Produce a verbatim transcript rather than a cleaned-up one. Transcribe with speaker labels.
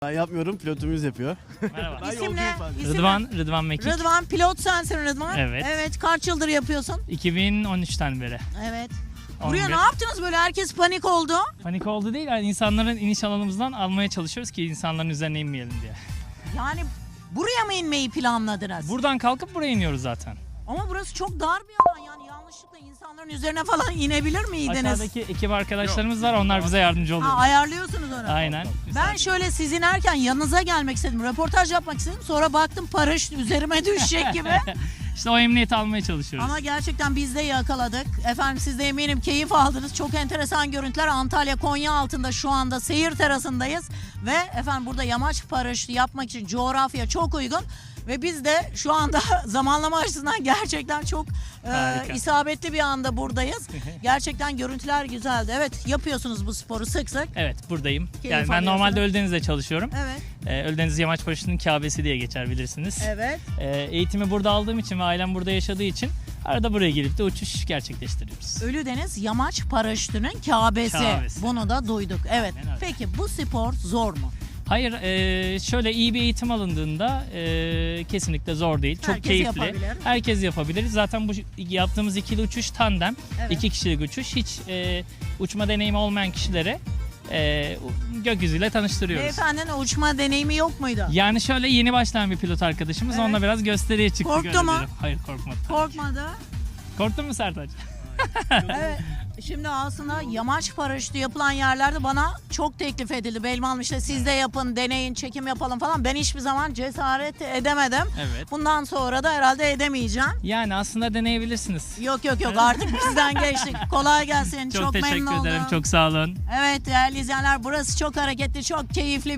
Speaker 1: Ben yapmıyorum, pilotumuz yapıyor.
Speaker 2: Merhaba.
Speaker 1: Ben
Speaker 3: İsim
Speaker 1: yolcuyum
Speaker 3: ne?
Speaker 1: sadece.
Speaker 3: İsim
Speaker 2: Rıdvan, Rıdvan Mekik.
Speaker 3: Rıdvan, pilot sensin Rıdvan.
Speaker 2: Evet.
Speaker 3: Evet, kaç yıldır yapıyorsun?
Speaker 2: iki bin on üçten beri.
Speaker 3: Evet.
Speaker 2: on
Speaker 3: Buraya
Speaker 2: bir.
Speaker 3: ne yaptınız böyle? Herkes panik oldu.
Speaker 2: Panik oldu değil, yani insanların iniş alanımızdan almaya çalışıyoruz ki insanların üzerine inmeyelim diye.
Speaker 3: Yani buraya mı inmeyi planladınız?
Speaker 2: Buradan kalkıp buraya iniyoruz zaten.
Speaker 3: Ama burası çok dar bir alan, yani yanlışlıkla insanların üzerine falan inebilir miydiniz?
Speaker 2: Aşağıdaki ekip arkadaşlarımız var, onlar bize yardımcı
Speaker 3: Ha,
Speaker 2: oluyor.
Speaker 3: ayarlıyorsunuz onu.
Speaker 2: Aynen.
Speaker 3: Ben şöyle siz inerken yanınıza gelmek istedim, röportaj yapmak istedim. Sonra baktım paraşüt üzerime düşecek gibi.
Speaker 2: İşte o emniyeti almaya çalışıyoruz.
Speaker 3: Ama gerçekten biz de yakaladık. Efendim siz de eminim keyif aldınız. Çok enteresan görüntüler. Antalya Konya altında şu anda seyir terasındayız. Ve efendim burada yamaç paraşütü yapmak için coğrafya çok uygun. Ve biz de şu anda zamanlama açısından gerçekten çok
Speaker 2: Harika.
Speaker 3: e, isabetli bir anda buradayız. Gerçekten görüntüler güzeldi. Evet, yapıyorsunuz bu sporu sık sık.
Speaker 2: Evet, buradayım.
Speaker 3: Keyif
Speaker 2: Yani ben
Speaker 3: alıyorsunuz.
Speaker 2: normalde Ölüdeniz'de çalışıyorum.
Speaker 3: Evet.
Speaker 2: Ee, Ölüdeniz Yamaç Paraşütü'nün Kabe'si diye geçer, bilirsiniz.
Speaker 3: Evet.
Speaker 2: Ee, eğitimi burada aldığım için ve ailem burada yaşadığı için arada buraya gelip de uçuş gerçekleştiriyoruz.
Speaker 3: Ölüdeniz Yamaç Paraşütü'nün Kabe'si.
Speaker 2: Kabe'si.
Speaker 3: Bunu da duyduk. Evet.
Speaker 2: Aynen öyle.
Speaker 3: Peki bu spor zor mu?
Speaker 2: Hayır, e, şöyle iyi bir eğitim alındığında e, kesinlikle zor değil. Çok
Speaker 3: Herkes
Speaker 2: keyifli.
Speaker 3: yapabilir.
Speaker 2: Herkes yapabilir. Zaten bu yaptığımız ikili uçuş tandem,
Speaker 3: Evet.
Speaker 2: iki kişilik uçuş. Hiç e, uçma deneyimi olmayan kişilere e, gökyüzüyle tanıştırıyoruz.
Speaker 3: Beyefendinin uçma deneyimi yok muydu?
Speaker 2: Yani şöyle yeni başlayan bir pilot arkadaşımız,
Speaker 3: Evet.
Speaker 2: onunla biraz gösteriye çıktık.
Speaker 3: Korktu
Speaker 2: öyle
Speaker 3: mu?
Speaker 2: diyelim. Hayır, korkmadı.
Speaker 3: Korkmadı.
Speaker 2: Korktun mu Sertaç?
Speaker 3: Evet. Şimdi aslında yamaç paraşütü yapılan yerlerde bana çok teklif edildi. Belman işte siz de yapın, deneyin, çekim yapalım falan. Ben hiçbir zaman cesaret edemedim.
Speaker 2: Evet.
Speaker 3: Bundan sonra da herhalde edemeyeceğim.
Speaker 2: Yani aslında deneyebilirsiniz.
Speaker 3: Yok yok yok artık bizden geçtik. Kolay gelsin.
Speaker 2: Çok,
Speaker 3: Çok,
Speaker 2: teşekkür
Speaker 3: memnun
Speaker 2: ederim.
Speaker 3: oldum.
Speaker 2: Çok sağ olun.
Speaker 3: Evet değerli izleyenler, burası çok hareketli, çok keyifli